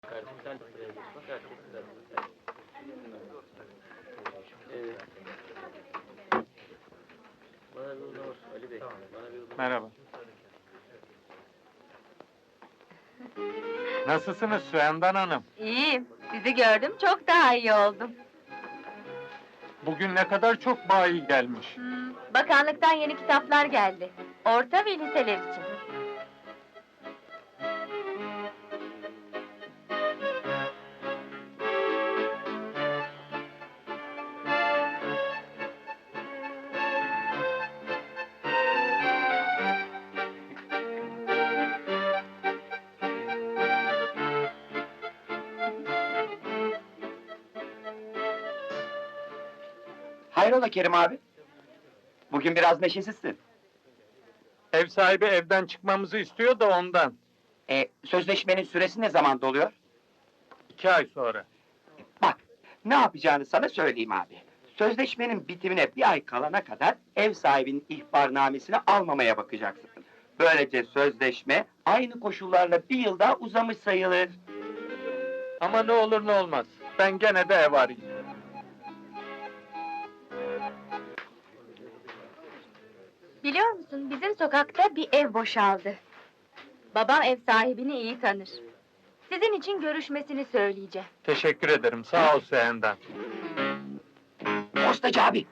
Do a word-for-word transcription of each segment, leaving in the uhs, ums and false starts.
Kardeşim sen de buraya geç. Bak herkes de burada. Evet. Bana bir ılımır Ali Bey. Bana bir ılımır. Merhaba. Nasılsınız Süendan Hanım? İyiyim. Sizi gördüm, çok daha iyi oldum. Bugün ne kadar çok bayi gelmiş. Hmm, bakanlıktan yeni kitaplar geldi. Orta ve liseler için. Hayrola Kerim abi? Bugün biraz neşesizsin. Ev sahibi evden çıkmamızı istiyor da ondan. E, sözleşmenin süresi ne zaman doluyor? İki ay sonra. Bak, ne yapacağını sana söyleyeyim abi. Sözleşmenin bitimine bir ay kalana kadar ev sahibinin ihbarnamesini almamaya bakacaksın. Böylece sözleşme aynı koşullarla bir yıl daha uzamış sayılır. Ama ne olur ne olmaz. Ben gene de ev arayayım. Biliyor musun, bizim sokakta bir ev boşaldı. Babam ev sahibini iyi tanır. Sizin için görüşmesini söyleyeceğim. Teşekkür ederim. Sağ ol Süendan. Postacı abi!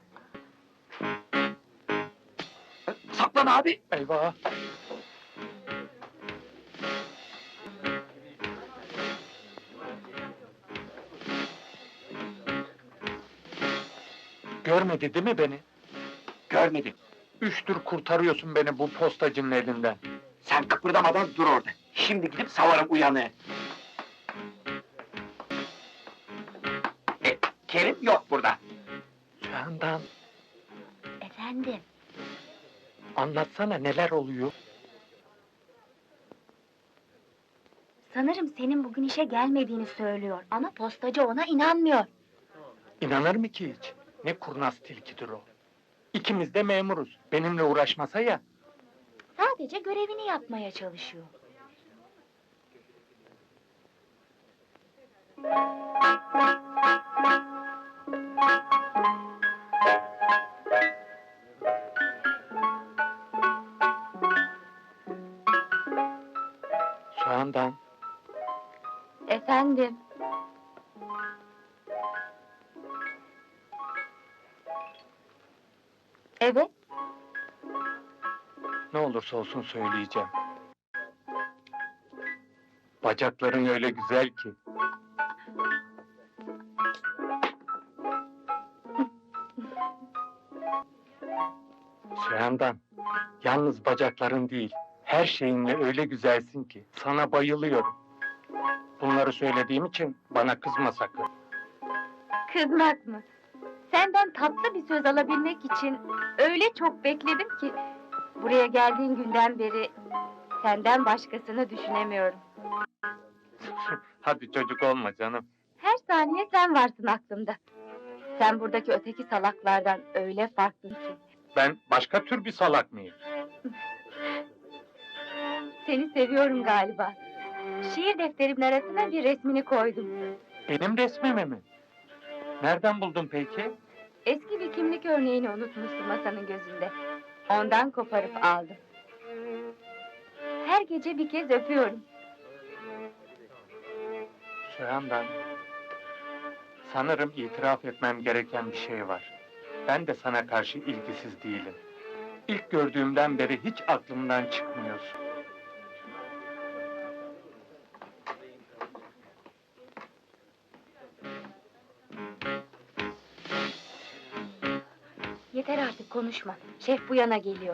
Saklan abi! Eyvah! Görmedi değil mi beni? Görmedim. Üçtür kurtarıyorsun beni bu postacının elinden. Sen kıpırdamadan dur orada. Şimdi gidip savarım uyanığı. E, Kerim yok burada. Süendan, Efendim? anlatsana neler oluyor? Sanırım senin bugün işe gelmediğini söylüyor ama postacı ona inanmıyor. İnanır mı ki hiç? Ne kurnaz tilkidir o. İkimiz de memuruz. Benimle uğraşmasa ya. Sadece görevini yapmaya çalışıyor. Süendan, Efendim? Evet, ne olursa olsun söyleyeceğim. Bacakların öyle güzel ki. Süendan, yalnız bacakların değil, her şeyinle öyle güzelsin ki, sana bayılıyorum. Bunları söylediğim için bana kızma sakın. kızmak mı? Senden tatlı bir söz alabilmek için öyle çok bekledim ki... ...buraya geldiğin günden beri senden başkasını düşünemiyorum. Hadi çocuk olma canım. Her saniye sen varsın aklımda. Sen buradaki öteki salaklardan öyle farklısın ki. Ben başka tür bir salak mıyım? Seni seviyorum galiba. Şiir defterimin arasına bir resmini koydum. Benim resmimi mi? Nereden buldun peki? Eski bir kimlik örneğini unutmuşsun masanın gözünde. Ondan koparıp aldım. Her gece bir kez öpüyorum. Süendan, sanırım itiraf etmem gereken bir şey var. Ben de sana karşı ilgisiz değilim. İlk gördüğümden beri hiç aklımdan çıkmıyorsun. Yeter artık konuşma. Şef bu yana geliyor.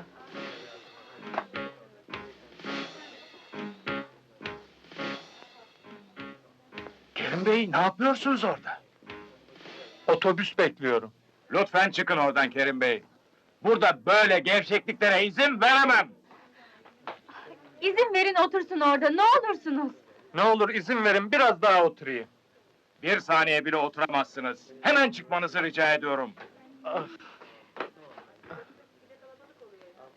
Kerim Bey, ne yapıyorsunuz orada? Otobüs bekliyorum. Lütfen çıkın oradan Kerim Bey. Burada böyle gevşekliklere izin veremem. İzin verin otursun orada, ne olursunuz. Ne olur izin verin, biraz daha oturayım. Bir saniye bile oturamazsınız. Hemen çıkmanızı rica ediyorum. Ah,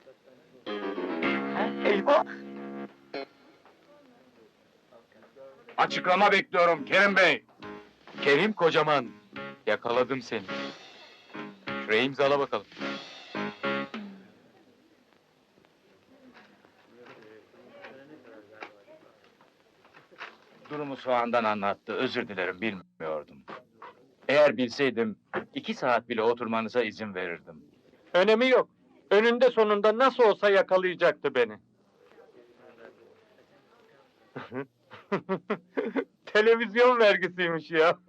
Eyvah! Açıklama bekliyorum Kerim Bey. Kerim kocaman, yakaladım seni. Şuraya imzala bakalım. Durumu soğandan anlattı, özür dilerim, bilmiyordum. Eğer bilseydim, iki saat bile oturmanıza izin verirdim. Önemi yok. Önünde sonunda nasıl olsa yakalayacaktı beni. Televizyon vergisiymiş ya.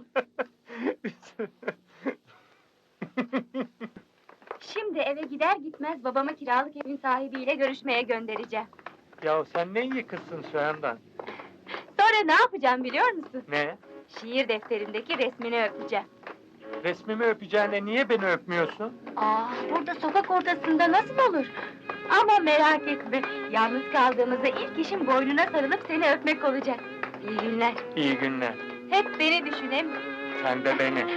Şimdi eve gider gitmez babamı kiralık evin sahibiyle görüşmeye göndereceğim. Ya sen ne iyi kızsın Sühendan. Sonra ne yapacağım biliyor musun? Ne? Şiir defterindeki resmini öpeceğim. Resmimi öpeceğine niye beni öpmüyorsun? Aa, burada sokak ortasında nasıl olur? Ama merak etme, yalnız kaldığımızda ilk işim boynuna sarılıp seni öpmek olacak. İyi günler. İyi günler. Hep beni düşün hem. Sen de beni.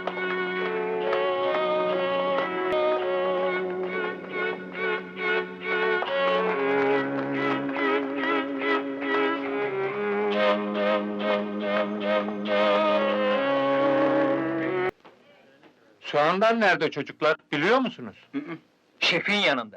Sühendan nerede çocuklar? Biliyor musunuz? Şefin yanında.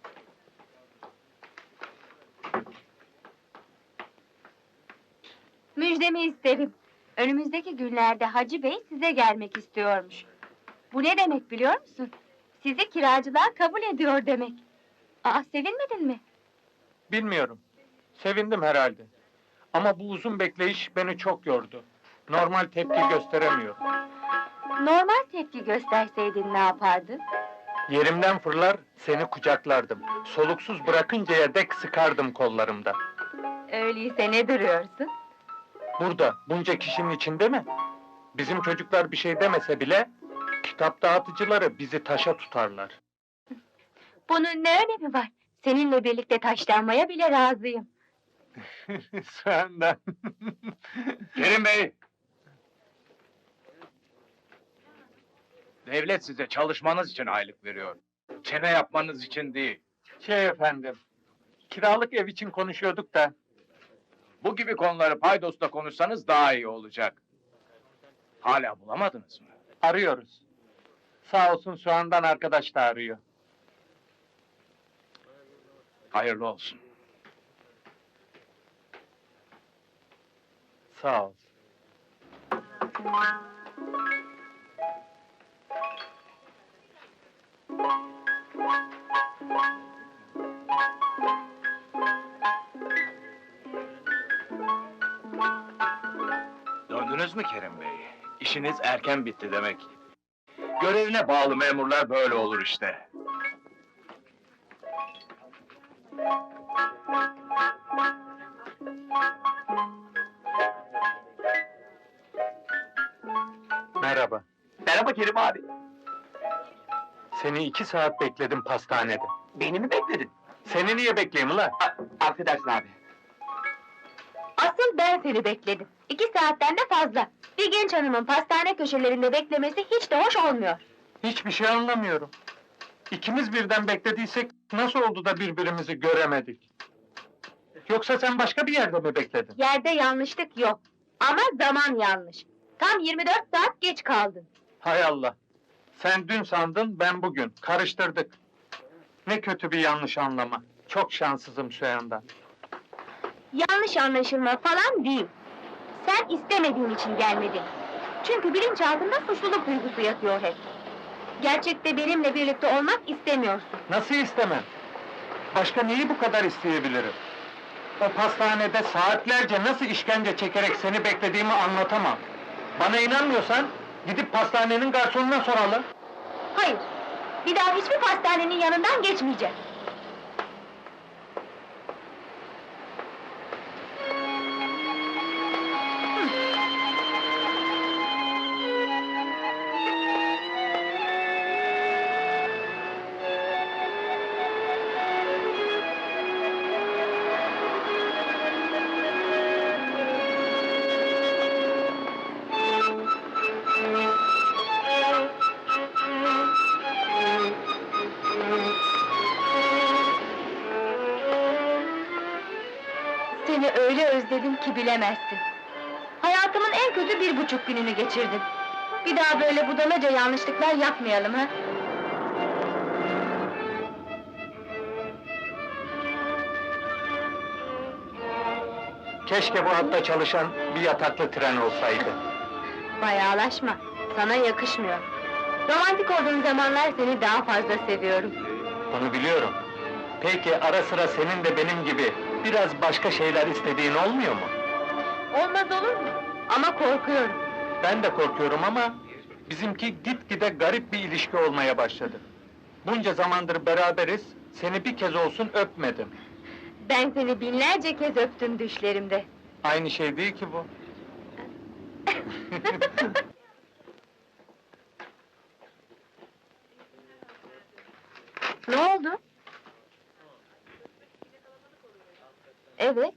Müjdemi isterim. Önümüzdeki günlerde Hacı Bey size gelmek istiyormuş. Bu ne demek biliyor musun? Sizi kiracılığa kabul ediyor demek. Aa, sevinmedin mi? Bilmiyorum. Sevindim herhalde. Ama bu uzun bekleyiş beni çok yordu. Normal tepki gösteremiyorum. Normal tepki gösterseydin ne yapardın? Yerimden fırlar, seni kucaklardım. Soluksuz bırakıncaya dek sıkardım kollarımda. Öyleyse ne duruyorsun? Burada, bunca kişinin içinde mi? Bizim çocuklar bir şey demese bile, kitap dağıtıcıları bizi taşa tutarlar. Bunun ne önemi var? Seninle birlikte taşlanmaya bile razıyım. Senden. Kerim Bey! Devlet size çalışmanız için aylık veriyor. Çene yapmanız için değil. Şey efendim, kiralık ev için konuşuyorduk da, Bu gibi konuları paydosla konuşsanız daha iyi olacak. Hala bulamadınız mı? arıyoruz. Sağ olsun Soğan'dan arkadaş da arıyor. Hayırlı olsun. Sağ ol. Döndünüz mü Kerim Bey? İşiniz erken bitti demek. Görevine bağlı memurlar böyle olur işte. Merhaba. Merhaba Kerim abi. Seni iki saat bekledim pastanede. Beni mi bekledin? Seni niye bekleyeyim ulan? A- affedersin abi. Asıl ben seni bekledim. İki saatten de fazla. Bir genç hanımın pastane köşelerinde beklemesi hiç de hoş olmuyor. Hiçbir şey anlamıyorum. İkimiz birden beklediysek nasıl oldu da birbirimizi göremedik? Yoksa sen başka bir yerde mi bekledin? Yerde yanlışlık yok. Ama zaman yanlış. Tam yirmi dört saat geç kaldın. Hay Allah! Sen dün sandın, ben bugün. Karıştırdık. Ne kötü bir yanlış anlama. Çok şanssızım şu anda. Yanlış anlaşılma falan değil. Sen istemediğin için gelmedin. Çünkü bilinçaltında suçluluk duygusu yatıyor hep. Gerçekte benimle birlikte olmak istemiyorsun. Nasıl istemem? Başka neyi bu kadar isteyebilirim? O pastanede saatlerce nasıl işkence çekerek seni beklediğimi anlatamam. Bana inanmıyorsan, gidip pastanenin garsonuna soralım. Hayır, bir daha hiçbir pastanenin yanından geçmeyeceğim. Seni öyle özledim ki bilemezsin. kötü bir buçuk gününü geçirdin. Bir daha böyle budalaca yanlışlıklar yapmayalım ha? Keşke bu hatta çalışan bir yataklı tren olsaydı. Bayağılaşma, sana yakışmıyor. Romantik olduğun zamanlar seni daha fazla seviyorum. Bunu biliyorum. Peki ara sıra senin de benim gibi biraz başka şeyler istediğin olmuyor mu? Olmaz olur mu? Ama korkuyorum. Ben de korkuyorum ama bizimki gitgide garip bir ilişki olmaya başladı. Bunca zamandır beraberiz, seni bir kez olsun öpmedim. Ben seni binlerce kez öptüm düşlerimde. Aynı şey değil ki bu. Ne oldu? Evet,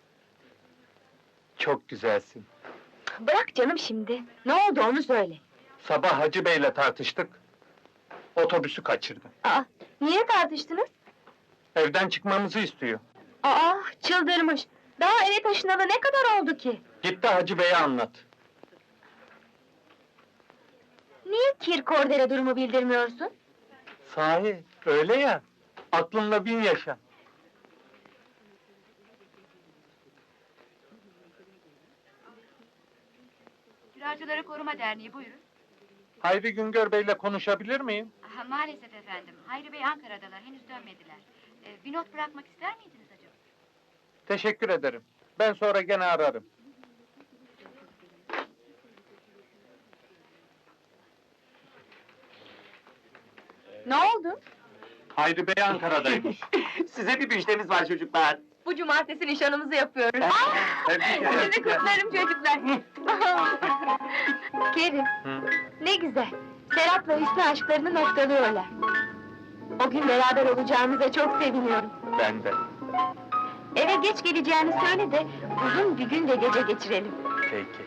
Çok güzelsin. bırak canım şimdi. Ne oldu onu söyle. Sabah Hacı Bey'le tartıştık. Otobüsü kaçırdı. Aa, niye tartıştınız? Evden çıkmamızı istiyor. Aa, çıldırmış. Daha eve taşınalı ne kadar oldu ki? Git de Hacı Bey'e anlat. Niye Kirkorder'e durumu bildirmiyorsun? Sahi, öyle ya. Aklınla bin yaşa. Kiracıları Koruma Derneği, buyurun. Hayri Güngör Bey'le konuşabilir miyim? Aha, maalesef efendim, Hayri Bey Ankara'dalar, henüz dönmediler. Ee, bir not bırakmak ister miydiniz acaba? Teşekkür ederim. Ben sonra gene ararım. Ne oldu? Hayri Bey Ankara'daymış. Size bir müjdemiz var çocuklar. Bu cumartesi nişanımızı yapıyoruz. Tebrik ederim. Sizi kutlarım çocuklar. Kerim, Hı. ne güzel. Serap'la Hüsnü aşklarını noktalıyorlar. O gün beraber olacağımıza çok seviniyorum. Ben de. Eve geç geleceğini söyle de uzun bir gün de gece geçirelim. Peki.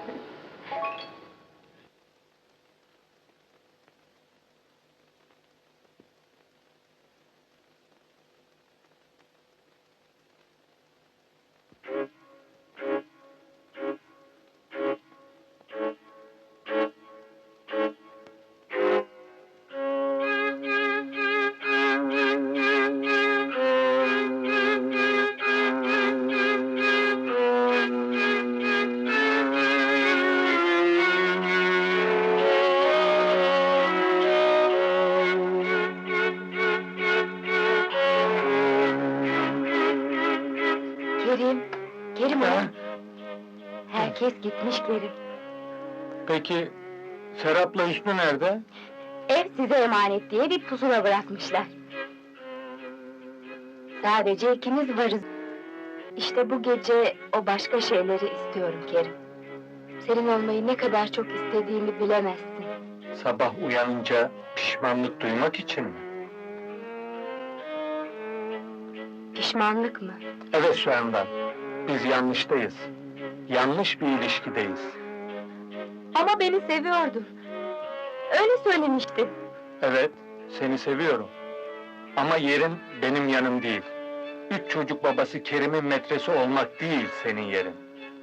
Kerim, Kerim Ha? ulan! Herkes gitmiş Kerim. Peki, Serap'la Hüsnü nerede? Ev size emanet diye bir pusula bırakmışlar. Sadece ikimiz varız. İşte bu gece o başka şeyleri istiyorum Kerim. Senin olmayı ne kadar çok istediğimi bilemezsin. Sabah uyanınca pişmanlık duymak için mi? Pişmanlık mı? Evet Süendan, biz yanlıştayız. Yanlış bir ilişkideyiz. Ama beni seviyordun. Öyle söylemiştin. Evet, seni seviyorum. Ama yerin benim yanım değil. Üç çocuk babası Kerim'in metresi olmak değil senin yerin.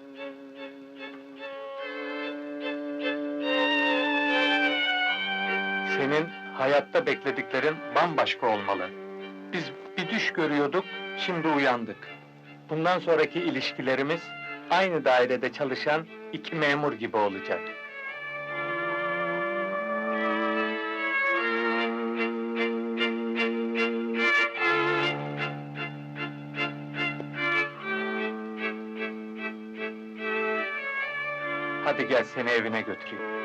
Senin hayatta beklediklerin bambaşka olmalı. Biz bir düş görüyorduk, şimdi uyandık. Bundan sonraki ilişkilerimiz aynı dairede çalışan iki memur gibi olacak. Hadi gel seni evine götüreyim.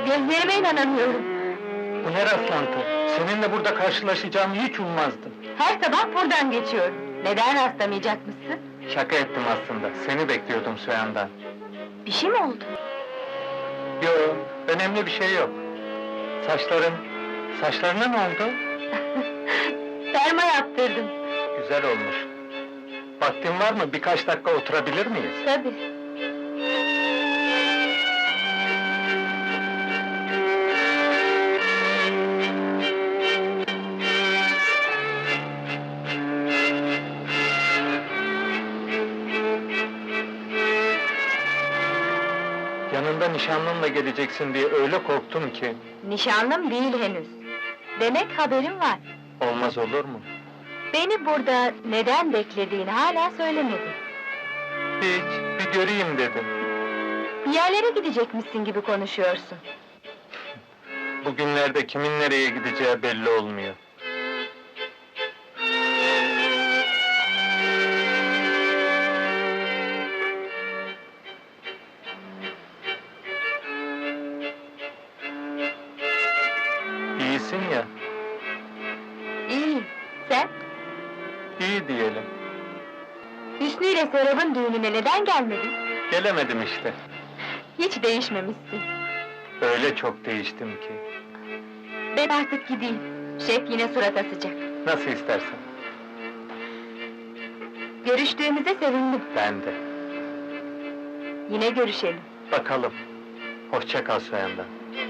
Gözlerime inanamıyorum. Bu ne rastlantı? Seninle burada karşılaşacağımı hiç ummazdım. Her sabah buradan geçiyorum. Neden rastlamayacakmışsın? Şaka ettim aslında. Seni bekliyordum Süyan'dan. Bir şey mi oldu? Yo, önemli bir şey yok. Saçların, saçlarına ne oldu? Perma yaptırdım. Güzel olmuş. Vaktin var mı? Birkaç dakika oturabilir miyiz? Tabii. Yanında nişanlınla geleceksin diye öyle korktum ki. Nişanlım değil henüz. Demek haberin var. Olmaz olur mu? Beni burada neden beklediğini hala söylemedin. Hiç, bir göreyim dedim. Bir yerlere gidecekmişsin gibi konuşuyorsun. Bugünlerde kimin nereye gideceği belli olmuyor. İyisin ya, İyiyim. Sen? iyi diyelim. Hüsnü ile Serap'ın düğününe neden gelmedin? Gelemedim işte. Hiç değişmemişsin. Öyle çok değiştim ki. Ben artık gideyim. Şef yine surat asacak. Nasıl istersen. Görüştüğümüze sevindim. Ben de. Yine görüşelim. Bakalım. Hoşça kal Süyan'dan.